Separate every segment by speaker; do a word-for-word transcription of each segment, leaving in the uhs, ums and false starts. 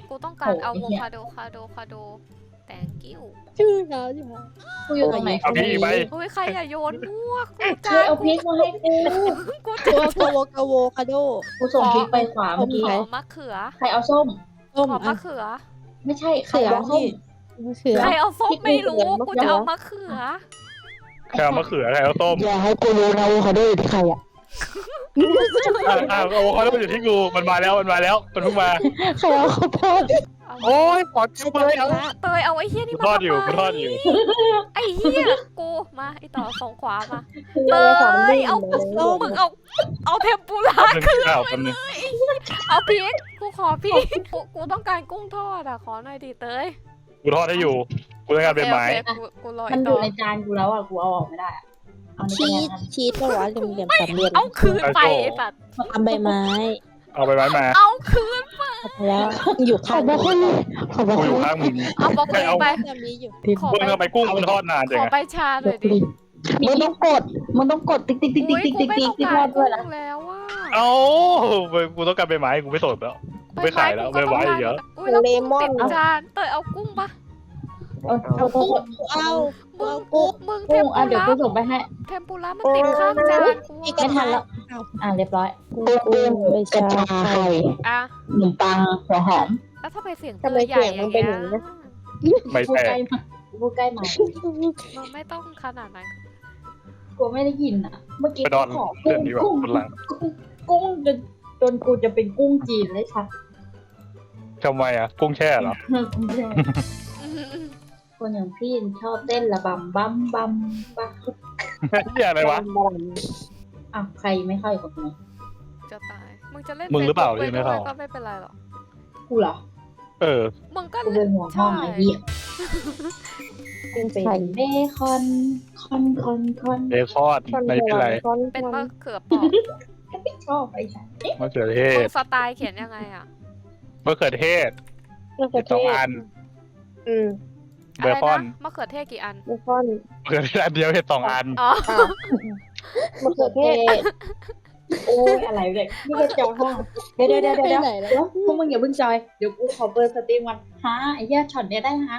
Speaker 1: กูต้องการอะโวคาโดคาโดคาโดแตงกิ้ว
Speaker 2: ชื่อเขาใช่ไหม
Speaker 3: กูอยู่ตรงไหน
Speaker 4: เอาพี่ไป
Speaker 1: เฮ้ยใครอย่าโยนมั่วกู
Speaker 3: เธอเอาพริกมาให้กู
Speaker 1: กู
Speaker 2: กาวกาวกาวคาโด
Speaker 3: กูส่งพริกไปขวาเมื่อกี้
Speaker 1: ขอมะเขือ
Speaker 3: ใครเอาส้ม
Speaker 2: ส้ม
Speaker 1: ขอมะ
Speaker 2: อ่ะ
Speaker 1: เขือ
Speaker 3: ไม่ใช่ใครเอาส้ม
Speaker 2: เขือ
Speaker 1: ใครเอาส้มไม่รู้
Speaker 2: มะเขือ
Speaker 1: กูจะเอามะเขือ
Speaker 4: ใครเอามะเขือใครเอาต้ม
Speaker 5: อย่าให้กูรู้นะว่าเขาได้อยู่ที่ใครอ่ะ
Speaker 4: อ่ะอ่ะโอ้เขาต้องอยู่ที่กูมันมาแล้วมันมาแล้วมันเพิ่งมา
Speaker 5: ใครเอาข้าวโพด
Speaker 4: โอ้ยขอจิ้มเลยเอา
Speaker 1: เตยเอาไอ้เหี้ยนี่
Speaker 4: กู
Speaker 1: มา
Speaker 4: ทอดอยู่
Speaker 1: ทำไม
Speaker 4: กูทอดอยู่
Speaker 1: ไอ้เหี้ยกูมาไอ้ต่อสองขวามาเต
Speaker 2: สาม
Speaker 1: ยเอา
Speaker 2: ส้ม
Speaker 1: มึงเอาเอาเทมปุระ
Speaker 4: หนึ่งข้าวคนหนึ่ง
Speaker 1: เอาพริกกูขอพริกกูกูต้องการกุ้งทอดอ่ะขอหน่อยดิเตย
Speaker 4: กูทอดให้อยู่กูต้องการเป็นไม้
Speaker 1: โอเคโอเคกูกูรอ
Speaker 3: มั
Speaker 1: ไอ้
Speaker 3: นอ
Speaker 1: ต่อยู่
Speaker 3: ในจานกูแล้วอ่ะกูเอาออกไม่ได้อะเอาใน
Speaker 2: ชี
Speaker 3: จาน
Speaker 2: สชีสตัวเหลี่ยมๆสามเหลี่ยม
Speaker 1: เอาคืนไปไอ้สัตว์
Speaker 2: ทำใบไม้
Speaker 4: เอาไปไม้มา
Speaker 1: เอาคืน
Speaker 2: แล้วอยู่
Speaker 5: ข
Speaker 2: ข้า
Speaker 5: อง บบอกคนขอบบอก
Speaker 4: กู
Speaker 5: ค
Speaker 4: อยู่
Speaker 5: น
Speaker 4: ข้างมึง
Speaker 1: เอาบล็อกเลยไป
Speaker 2: จะมีอยู่
Speaker 1: ขอ
Speaker 4: เพิ่ง
Speaker 1: ไป
Speaker 4: ทำไมกุ้งมันทอดนานจั
Speaker 1: ข
Speaker 4: ง
Speaker 1: อ
Speaker 4: อะ
Speaker 1: ไปชาหน่อยดิ
Speaker 5: มึงต้องกด
Speaker 3: มึงต้องกดติ๊กติ๊กติ๊ก
Speaker 1: อุ้
Speaker 3: ติ๊
Speaker 1: ย
Speaker 3: ก
Speaker 1: กู
Speaker 3: ติ๊ก
Speaker 1: ไม่
Speaker 3: ติ๊ก
Speaker 1: ต้
Speaker 3: ติ๊
Speaker 1: อก ง
Speaker 3: ที่ท
Speaker 1: กา
Speaker 3: อ
Speaker 1: ร
Speaker 3: ดด้วย
Speaker 1: กุ้
Speaker 3: นะ
Speaker 1: งแล้วว่า
Speaker 4: เอ้ากูต้องการเป็นไม้กูไม่สนแล้วกูไม่ขายแล้วไม่ไหวอีกแล้ว
Speaker 1: อุ้ยแล้วกุ้งติดจานเตยเอากุ้งปะ
Speaker 3: เออเอากุ้ง
Speaker 2: เอา
Speaker 1: มึง
Speaker 2: เอากุ้ง
Speaker 1: มึงเท
Speaker 3: กุ้
Speaker 1: ม
Speaker 3: งอ่ะ
Speaker 1: ปุ
Speaker 3: เดี๋ยว
Speaker 1: ระ
Speaker 3: กูส่งไปให้
Speaker 1: เทมปุระมันติดข้างจานกู
Speaker 2: มีกระ
Speaker 3: ไม่ทั
Speaker 2: ทะ
Speaker 3: นแล้วอ่ะเรียบร้อย
Speaker 5: กุ้งกุ้งกระชาไข่
Speaker 1: อ่ะ
Speaker 3: ขนมปังหัวหอม
Speaker 1: แล้วถ้าไปเสียงเต
Speaker 2: ทำไม
Speaker 1: ยใหญ่
Speaker 2: เสียง
Speaker 1: อ
Speaker 2: มั
Speaker 1: ย่าน ง
Speaker 2: เป็น
Speaker 1: เงี้
Speaker 2: อย ย่างนี้นะ
Speaker 4: ไม่
Speaker 3: พูด
Speaker 4: แต
Speaker 3: ใกล้
Speaker 4: ก
Speaker 3: มาพูดใกล้มา
Speaker 1: มันไม่ต้องขนาดนั้น
Speaker 3: กูไม่ได้ยินอ่ะ เมื่อกี้
Speaker 4: ไปนอน
Speaker 3: ขอ
Speaker 4: เดี๋
Speaker 3: กุ้
Speaker 4: ยว
Speaker 3: ง
Speaker 4: ดีกว่า
Speaker 3: กุ้ง
Speaker 4: คนหลัง
Speaker 3: กุ้งจนจนกูจะเป็นกุ้งจีนเลยค่ะ
Speaker 4: ทำไมอ่ะกุ้งแช่เหรอ
Speaker 3: ไม่ใช่คนอย่างพี่ชอบเต้นระบำบัมบัมบัม
Speaker 4: เหี้ยอะไรวะ
Speaker 3: อ้าวใครไม่เข้าอีกคนนึง
Speaker 1: จะตายมึงจะเล่น
Speaker 4: มึงหรือเปล่า
Speaker 1: ฟซ
Speaker 4: ที่ไม่เข้า
Speaker 1: ก็ไม่เป็นไรหรอก
Speaker 3: กูเหรอ
Speaker 4: เออ
Speaker 1: มึงก็
Speaker 3: กูเป็นหัวห้องไอ้เหี้ย
Speaker 2: เป็น
Speaker 3: เป็น
Speaker 2: ไข่
Speaker 3: เบคอนคอนคอนคอน
Speaker 4: เบคอนไม่เป็นไร
Speaker 1: เป็นมะเขือเปอก
Speaker 3: ไม่ชอบไอ้ฉัน
Speaker 4: มะเขือเท
Speaker 1: มึ
Speaker 4: ศ
Speaker 1: งสไตล์เขียนยังไงอ่ะ
Speaker 4: มะเขือเทศ
Speaker 2: มะเขือเท
Speaker 4: สอง
Speaker 2: ศ
Speaker 4: อัน
Speaker 2: อืม
Speaker 4: เบคอน
Speaker 1: ะไรนะมะเขือเทศกี่อัน
Speaker 2: เบคอน
Speaker 4: มะเขือเทศอันเดียวเห็ดสองอัน
Speaker 1: อ๋อ
Speaker 2: มะเขือเทศ
Speaker 3: โอ้ยอะไรเนี่ยนี่ก็จองห้องเดี๋ยวเดี๋ยวเดี๋ยวเดี๋ยว
Speaker 2: ไปไหนแล้ว
Speaker 3: เดี๋ยวพวกมึงอย่าเพิ่งจอยเดี๋ยวกูขอเบอร์สตรีมวันฮะไอ้เหี้ยช็อตเนี้ยได้ฮะ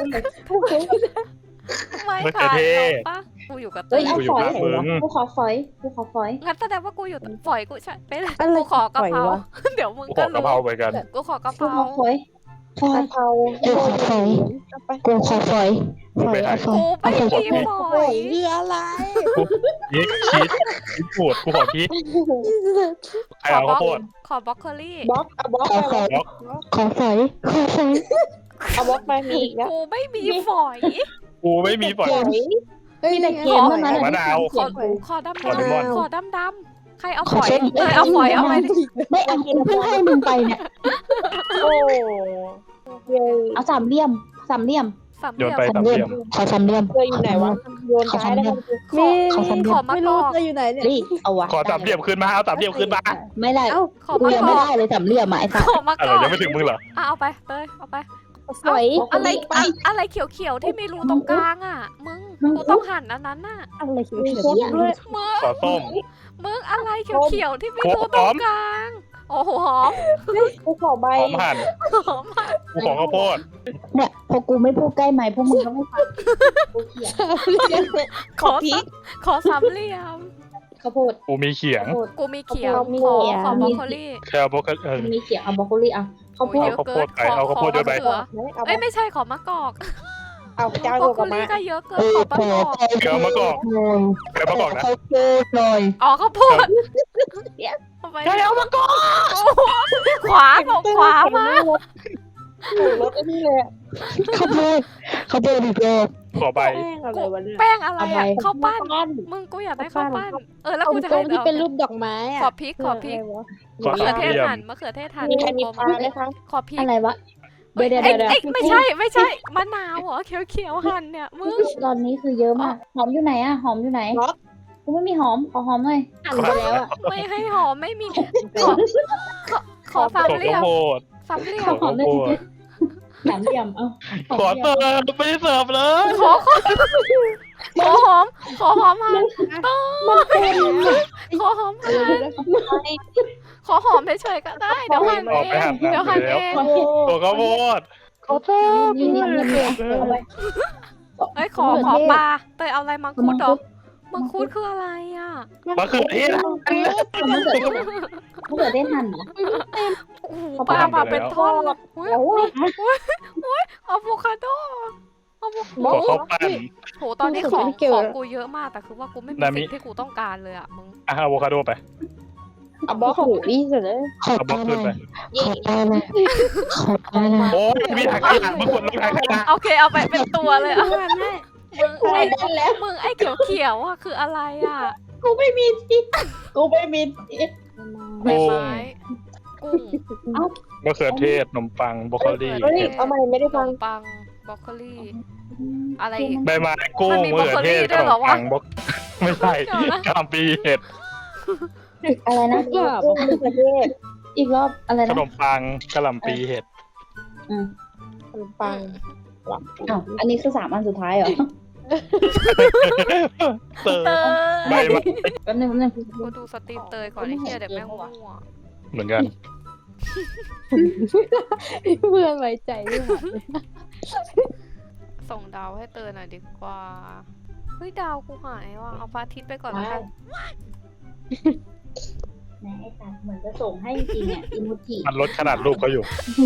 Speaker 1: ไม่
Speaker 4: มะเขื
Speaker 1: ค่ะ
Speaker 4: อเทศ
Speaker 1: ปะกูอยู่กับเต
Speaker 3: เฮ้ย
Speaker 1: ย
Speaker 3: เอา
Speaker 4: กูอยู่
Speaker 3: ฝอย
Speaker 4: ข้างมึง
Speaker 3: กูขอฝอยกูขอฝอย
Speaker 1: งั้นแสดงว่ากูอยู่ฝอยกูใช่ไปเลย
Speaker 2: อะไร
Speaker 1: กูขอกะเพรา
Speaker 2: ฝอยวะ
Speaker 1: เดี๋ยวมึง
Speaker 4: กูข
Speaker 1: ก็
Speaker 4: อกะ
Speaker 1: รู้
Speaker 4: เพราเหมือนกัน
Speaker 1: กูขอกะเพ
Speaker 3: กู
Speaker 1: รา
Speaker 3: ขอฝอยฝอก
Speaker 2: ะ
Speaker 3: ย
Speaker 2: เพรา
Speaker 5: กูขอฝอย
Speaker 2: เอาไป
Speaker 5: กูขอฝอยฝอยเอาฝอย
Speaker 1: กูไม่มีฝ
Speaker 2: โอ้
Speaker 1: อย
Speaker 2: ยคืออะไร
Speaker 4: พริกชีสพริกปูดกูขอพริกใครเอาข้าวโพด
Speaker 1: ขอบล็อกเคอรี่
Speaker 2: บล็อกเอาบล็อก
Speaker 5: ขอ
Speaker 2: ไป
Speaker 5: ฝอย
Speaker 4: บล็อก
Speaker 5: ขอฝอยขอฝอย
Speaker 2: เอาบล็อกไปมีอีกแล้ว
Speaker 1: กูไม่มีฝอย
Speaker 4: กูไม่มีฝอย
Speaker 2: เฮ้ย
Speaker 3: มีแต่เกมเท่านั้น
Speaker 4: มะนาว
Speaker 1: ขอขอดำ
Speaker 4: ขอเลมอน
Speaker 1: ดำขอดำดำใครเอาฝอยเตยเอาฝอยเอาไปดิ
Speaker 3: ไม่เอากูเพิ่งให้มึงไปเนี่ย
Speaker 2: โอ้เย
Speaker 3: เอาสามเหลี่ยมสามเหลี่ยม
Speaker 1: สามเห
Speaker 4: โยน
Speaker 1: ลี่ยม
Speaker 4: ไปสามเหลี่ยม
Speaker 5: ขอสามเหลี่ยม
Speaker 2: เธออยู่ไหนวะโยนซ้ายแล้วกัน
Speaker 1: ขอ
Speaker 5: ขอสามเหลี่ยม
Speaker 1: ขอมะ
Speaker 2: ไม่
Speaker 1: ก
Speaker 2: รู้
Speaker 1: อก
Speaker 2: เธออยู่ไหนเนี่ย
Speaker 3: รีเอาวะ
Speaker 4: ขอสามเหลี่ยมขึ้นมาเอาสามเหลี่ยมขึ้นมา
Speaker 3: ไม่ได้
Speaker 2: เอ้า
Speaker 1: ขอ
Speaker 3: กู
Speaker 1: มะ
Speaker 3: ยัง
Speaker 1: ก
Speaker 3: ไม่
Speaker 1: อก
Speaker 3: ได้เลยสามเหลี่ยมอ่ะไอ้สัส
Speaker 1: ขอมะ
Speaker 4: อะ
Speaker 1: ก
Speaker 4: ไร
Speaker 1: อก
Speaker 4: ยังไม่ถึงมึงเหรอ
Speaker 1: อ่ะเอาไปเตยเอาไป
Speaker 2: สวย
Speaker 1: อะไรอะอะไรเขียวๆที่มีรูตรงกลางอ่ะ มึงกูต้องหั่นอันนั้นน่ะ
Speaker 2: อะไรเขียวๆด้วย
Speaker 1: มึง
Speaker 4: ขอส้ม
Speaker 1: มึงอะไรเขียวๆที่มีรูตรงกลาง โอ้โหหอม
Speaker 2: กูขอใบ
Speaker 4: หอมหั่น
Speaker 1: หอมมาก
Speaker 4: กูขอข้าวโพด
Speaker 3: เนี่ยพอกูไม่พูดใกล้ไมค์พวกมึงก็ไม่ฟังกูเขียน
Speaker 1: ขอสามขอสามเหลี่ยม
Speaker 3: ข้าวโพด
Speaker 4: กูมีเขียง
Speaker 3: ข้าวโพด
Speaker 1: กูมีเขียว
Speaker 2: มี
Speaker 1: ขอ
Speaker 2: เขียว
Speaker 1: ขอบรอกโคลี่
Speaker 4: แค่เอาพวกเออ
Speaker 3: มีเขียงเอาบรอกโคลีอ่ะข้าวโพ
Speaker 1: โอ้ย
Speaker 3: ด
Speaker 1: เยอะเกิน
Speaker 4: เอาข้าวโพดไปเอาข้าวโพดด้วยไป
Speaker 1: ขอมะเขือ
Speaker 2: เอา
Speaker 1: เอ้ยไม่ใช่ขอมะกอก
Speaker 2: เอาเจ้า
Speaker 1: บร
Speaker 2: ตั
Speaker 1: อ
Speaker 2: ว
Speaker 1: กโค
Speaker 2: กับมา
Speaker 1: ลี่ก็เยอะเกิน
Speaker 5: เอ
Speaker 1: ข
Speaker 5: อ
Speaker 1: อมะ
Speaker 5: ขอก
Speaker 1: อก
Speaker 4: เดี๋ยวมะกอก
Speaker 5: หน่อย
Speaker 4: เดี๋ยวมะกอกนะ
Speaker 5: ข้าวโพดหน่อย
Speaker 1: อ๋อข้าวโพดเอาไป
Speaker 4: เดี๋ยวมะกอก
Speaker 1: ขวาบอกขวามา
Speaker 2: รถไอ้นี่เลย
Speaker 5: ข้าวโพดข้าวโพดอีกรอบ
Speaker 4: ขอใบ
Speaker 2: แป้งอะไรวะเนี่ย
Speaker 1: แป้งอะไรอ่ะข้าวปั้น
Speaker 2: ปั้น
Speaker 1: มึงกูอยากได้ข้าวปั้น เออแล้ว
Speaker 2: เอา
Speaker 1: กูจะ
Speaker 2: ตร
Speaker 1: ให้
Speaker 2: งที่
Speaker 1: เอา
Speaker 2: เป็นรูปดอกไม้อะ
Speaker 1: ขอพริกขอพริก
Speaker 4: ขอ
Speaker 1: มะเขื
Speaker 4: สา
Speaker 1: อ
Speaker 4: ม
Speaker 1: เท
Speaker 4: เห
Speaker 1: ศ
Speaker 4: ลี่ยม
Speaker 1: หั่นมะเขือเทศหั่น
Speaker 2: มีใครมี
Speaker 1: กลม
Speaker 2: ปลาไหมคะ
Speaker 1: ๆขอพริก
Speaker 3: อะไรวะ
Speaker 1: เอ้ย
Speaker 3: เดี๋ยวเดี๋ยวเดี๋ยว
Speaker 1: เอ้ยไม่ใช่ไม่ใช่มะนาวเหรอเขียวๆหั่นเนี่ยมึง
Speaker 3: ตอนนี้คือเยอะมากหอมอยู่ไหนอ่ะหอมอยู่ไหนกูไม่มีหอมขอหอมหน่อย
Speaker 2: หั่นไปแล้วอะ
Speaker 1: ไม่ให้หอมไม่มีขอขอขอสาม
Speaker 4: ขอ
Speaker 1: เหลี่
Speaker 4: ข้า
Speaker 1: ยว ม
Speaker 4: โพด
Speaker 1: สามเหลี่ย
Speaker 4: ขอ
Speaker 1: ม
Speaker 4: ข้าวโพด
Speaker 3: สามเหลี่ยมเอา
Speaker 4: ขอเสิร์ฟไม่ได้เสิร์ฟเลย
Speaker 1: ขอขอขอหอมขอหอมหั่นต้อขอหอมหั่นขอหอมเฉยๆก็ได้ เดี๋ยวหั่น
Speaker 4: ออก
Speaker 1: เอ
Speaker 4: ไป
Speaker 1: ง
Speaker 4: หั่น
Speaker 1: เดี๋ยวหั่น
Speaker 4: แล้
Speaker 1: เอ
Speaker 4: ว
Speaker 1: ง
Speaker 4: ตัวข้าวโพด
Speaker 5: ขอโทษ
Speaker 3: นี่นี่นี่นี่เอาไป
Speaker 1: เอ้ยขอขอปลาเตยเอาอะไรมังคุดเหรอมังคุดคืออะไรอ่ะ
Speaker 4: มะเขือเทศ
Speaker 3: มะเขือเทศมะเขือเทศหั่นเหรอ
Speaker 1: โอ้โหปลามาเป็นท่อนเลยอุ๊ย
Speaker 2: แล้วว่า
Speaker 1: อะโวคาโดอะโว
Speaker 4: หัวข้าวปั้น
Speaker 1: โหตอนนี้ของ
Speaker 2: ไม่เกี่ยว
Speaker 1: ของกูเยอะมากแต่คือว่ากูไม่มี
Speaker 4: นามิ
Speaker 1: สิ่งที่กูต้องการเลยอ่ะมึง
Speaker 4: อ่ะอะโวคาโดไป
Speaker 2: เอาบอกของพี่เสร็จเลย
Speaker 5: ขอ
Speaker 4: เอาบ
Speaker 5: ป
Speaker 4: ล็อ
Speaker 5: ลาก ห
Speaker 4: ขึ้
Speaker 5: น่
Speaker 4: น
Speaker 5: อ
Speaker 4: ไป
Speaker 5: ยขอปลาหน่อยขอปลาหน่อย
Speaker 4: โอ้ยมีถังขยะมึงกดลงถังขยะ
Speaker 1: โอเคเอาไปเป็นตัวเลยอ่ะมึงไอ้
Speaker 3: ได้แล้ว
Speaker 1: มึงไอ้เขียวเขียวๆอ่ะคืออะไรอ่ะ
Speaker 3: กูไม่มีที่กูไม่มีที่
Speaker 1: ใบไม้กุ้ง
Speaker 4: มะเขือเทศขนมปังบรอกโคลี
Speaker 2: เฮ้ยเอาใหม่ไม่ได้
Speaker 1: ข
Speaker 2: ฟั
Speaker 1: น
Speaker 2: ง
Speaker 1: มปังบรอกโคลีอะไรอีก
Speaker 4: ใบไม้กุ้
Speaker 1: มั
Speaker 4: ง
Speaker 1: นมี
Speaker 4: มะเขือเทศ
Speaker 1: บรอกโคลีด้วย
Speaker 4: ขน
Speaker 1: เหรอ
Speaker 4: ม
Speaker 1: วะ
Speaker 4: ปังบล็อกไม่ใช่
Speaker 1: เดี๋ยวนะ
Speaker 4: กามปีเห็ด
Speaker 3: อะไรนะ
Speaker 2: ก็บอกประเทศ
Speaker 3: อีกรอบอะไร
Speaker 4: ข
Speaker 3: นะ
Speaker 4: นมปังกะหล่ำปีเห็ด
Speaker 3: อืม
Speaker 2: ขนมปัง
Speaker 3: อ้าวอันนี้คือสามอันสุดท้ายเหรอ
Speaker 4: เตอ
Speaker 1: เต
Speaker 4: ใบ
Speaker 1: ย
Speaker 4: ไม้
Speaker 3: แป๊บนึงแป๊บนึง
Speaker 1: กูดูสตรีมเตยก่อนไอ้เหี้ยเดี๋ยวแม่งมั่ว
Speaker 4: เหมือนกัน
Speaker 2: เพื่อนไว้ใจไม่หมด
Speaker 1: ส่งดาวให้เตยหน่อยดีกว่าเฮ้ยดาวกูหายว่ะเอาพระอาทิตย์ไปก่อนแล้วกัน
Speaker 3: แหมไอ้สัตว์เหมือนจะส่งให้จริงๆเนี่ยอิมูจิ
Speaker 4: มันลดขนาดรูปเขาอยู่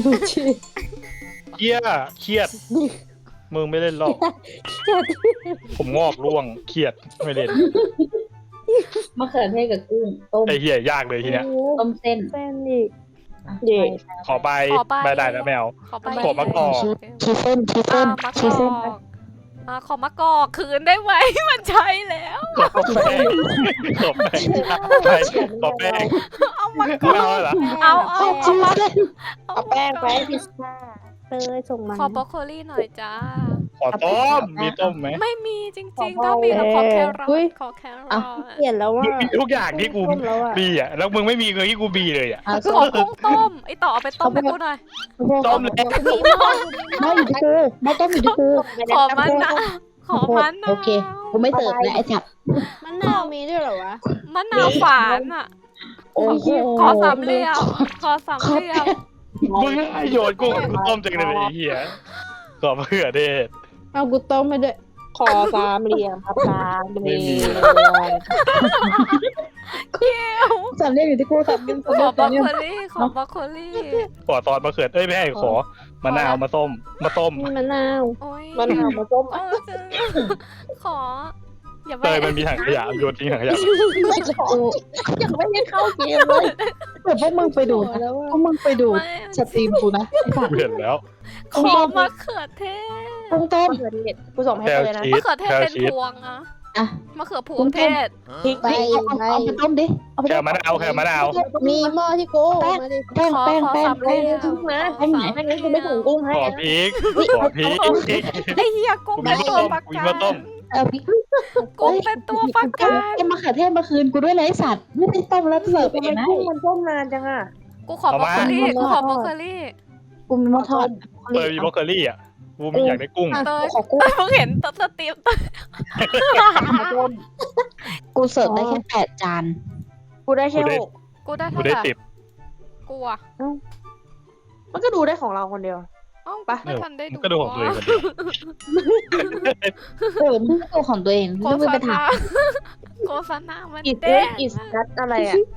Speaker 4: เครียดเครียดมึงไม่เล่นหรอกผมงอกร่วงเครียดไม่เล่น
Speaker 3: มะเขือเทศกับกุ้งต้ม
Speaker 4: ไอ้เหี้ยยากเลยทีเนี้ย
Speaker 3: ต้มเส้น
Speaker 2: เส้นอีก
Speaker 3: อ่ะ
Speaker 2: เย่
Speaker 4: ขอใบใบได้แล้วแมว
Speaker 1: ขอไป
Speaker 4: ขอมะกอก
Speaker 5: ชีเส้นชีเส้
Speaker 1: อ่าน มะก
Speaker 5: ชีเส้น
Speaker 1: อกอ่าขอมะกอกคืนได้ไหม มันใช้แล้ว
Speaker 4: ขอแป้งขอแป้งไปขอแป้ง
Speaker 1: เอามากอ
Speaker 4: ไม่เอา
Speaker 1: ก
Speaker 4: เหรอ
Speaker 1: เอาเอาเอามา
Speaker 2: เอาแป้งไปพิซซ่าเตยส่งมา
Speaker 1: ขอบรอกโคลี่หน่อยจ้า
Speaker 4: ขอต้มมีต้มไหม
Speaker 1: ไม่มีจริงๆ ถ้ามีเราขอแครอทขอแครอท
Speaker 2: เปลี่ยนแล้วว่า
Speaker 4: มึงมีทุกอย่างที่กู
Speaker 2: ต้มแล้วอ่ะ
Speaker 4: บีอ่ะแล้วมึงไม่มีเงินที่กูบีเลยอ่ะ
Speaker 3: อ่ะ
Speaker 1: ขอกุ้งต้ม ไอต่อเอาไปต้มให้กูหน่อย
Speaker 4: ต้มแล้ว
Speaker 3: ไม่อยู่ที่กูไม่ต้มอยู่ที่กู
Speaker 1: ขอมันนะขอมันนะ
Speaker 3: โอเคกูไม่เสิร์ฟนะไอ้ฉับ
Speaker 2: มันนาวมีด้วยเหรอวะ
Speaker 1: มะนาวฝานอ่ะ
Speaker 3: โอ้โห
Speaker 1: ขอสามเหลี่ยมขอสามเหลี่ยม
Speaker 4: มึงให้โยนกุ้งกูต้มจังเลยไอ้เหี้ยขอมะเขือเทศ
Speaker 2: เอากูต้มไปด้วยคอสามเหลี่ยมครับสามเหลี่ยม
Speaker 1: เกี้ยว
Speaker 3: สามเหลี่ยมอยู่ที่กูสามเหลี่ยม
Speaker 1: ขอบรอกโคลี่ขอบรอกโคลี่
Speaker 4: ขอตอนมะเขือเอ้ยไม่ให้ขอมะนาวมาต้มมาต้ม
Speaker 2: นี่มะนาว
Speaker 1: โอ้ย
Speaker 2: มะนาวมาต้ม
Speaker 1: เออเจอขอ อย่าไป
Speaker 4: เตยมันมีถังขยะโยนทิ้งถังขยะ
Speaker 3: ยังไม่ได้เข้าเกมเลย
Speaker 5: เดี๋ยวพวกมึงไปดูนะ
Speaker 2: แล้ว
Speaker 5: พวกมึงไปดู
Speaker 1: ไม่
Speaker 5: สตรีมกูนะไอ้สัตว์
Speaker 4: กูเห็นแล้ว
Speaker 1: ขอมะเขือเทศ
Speaker 5: กุ้งต้ม
Speaker 2: มะเขือเทศกูส่งให้
Speaker 4: แคล
Speaker 2: เลยนะ
Speaker 4: ชี
Speaker 1: มะ
Speaker 4: ส
Speaker 1: เขือเทศ
Speaker 4: แคล
Speaker 1: เป็น
Speaker 4: ชีส
Speaker 1: พวงอะ
Speaker 3: อ่ะ
Speaker 1: มะเขือพวงเทศ
Speaker 5: พริก
Speaker 2: ไป
Speaker 5: เอาเอาเอาไปต้มดิเอาไป
Speaker 4: แคล
Speaker 5: ต้ม
Speaker 4: มะนาวแคลมะนาว
Speaker 2: มีหม้อที่กูมาดิ
Speaker 5: แป้ง
Speaker 1: ขอ
Speaker 5: แป้ง
Speaker 1: ขอ
Speaker 5: แป้ง
Speaker 1: สามเห
Speaker 5: แป้ง
Speaker 1: ลี่ยม
Speaker 2: กุ้งนะ
Speaker 1: ขอสาม
Speaker 2: ไม่งั้นกูไม่ส่งกุ้งให้
Speaker 4: ขอ
Speaker 2: นะ
Speaker 4: พริกขอพริก
Speaker 1: ไอ้เหี้ยกุ้งเป็นตัวประ
Speaker 4: กู
Speaker 1: กั
Speaker 4: มาต้ม
Speaker 1: น
Speaker 5: เอาพริก
Speaker 1: กุ้งเป็นตัวประกัน
Speaker 5: เอามะเขือเทศมาคืนกูด้วยนะไอ้สัตว์ไม่ได้ต้มแล้วเสิร์ฟ
Speaker 2: ทำ
Speaker 5: เอ
Speaker 2: ไม
Speaker 5: งนะ
Speaker 2: กุ้งมันต้มนานจังอ่ะ
Speaker 1: กูขอบรอกโคลี่กูขอบรอกโคลี่
Speaker 5: กูมีหม้อทอด
Speaker 4: เตยมีบรอกโคลี่อ่ะกูมีอยากได้กุ้ง
Speaker 1: เตย
Speaker 5: ขอกุ้ง
Speaker 1: มึงเห็นตัวสตรีมเตย
Speaker 5: กูเสิร์ฟได้แค่แปดจาน
Speaker 2: กูได้แค่หก
Speaker 1: กูได้
Speaker 4: กู
Speaker 1: เท่า
Speaker 4: ได้
Speaker 1: ไหร่
Speaker 4: สิบ
Speaker 1: กูอะ
Speaker 2: มันก็ดูได้ของเราคนเดียว
Speaker 1: เอ้า
Speaker 2: ไป
Speaker 1: ไม่ทันได้
Speaker 4: มึ
Speaker 1: ดู
Speaker 4: งก็ดูของตัวเองคนเดียว
Speaker 3: เออมึงก็ตัวของตัวเอง
Speaker 1: โฆ
Speaker 3: ไม่
Speaker 1: ษ
Speaker 3: ไป
Speaker 1: ณา
Speaker 3: ถาม
Speaker 1: โฆษณามัน
Speaker 2: อิส
Speaker 1: เด้ง
Speaker 2: อิสนัทอะไรอ่ะ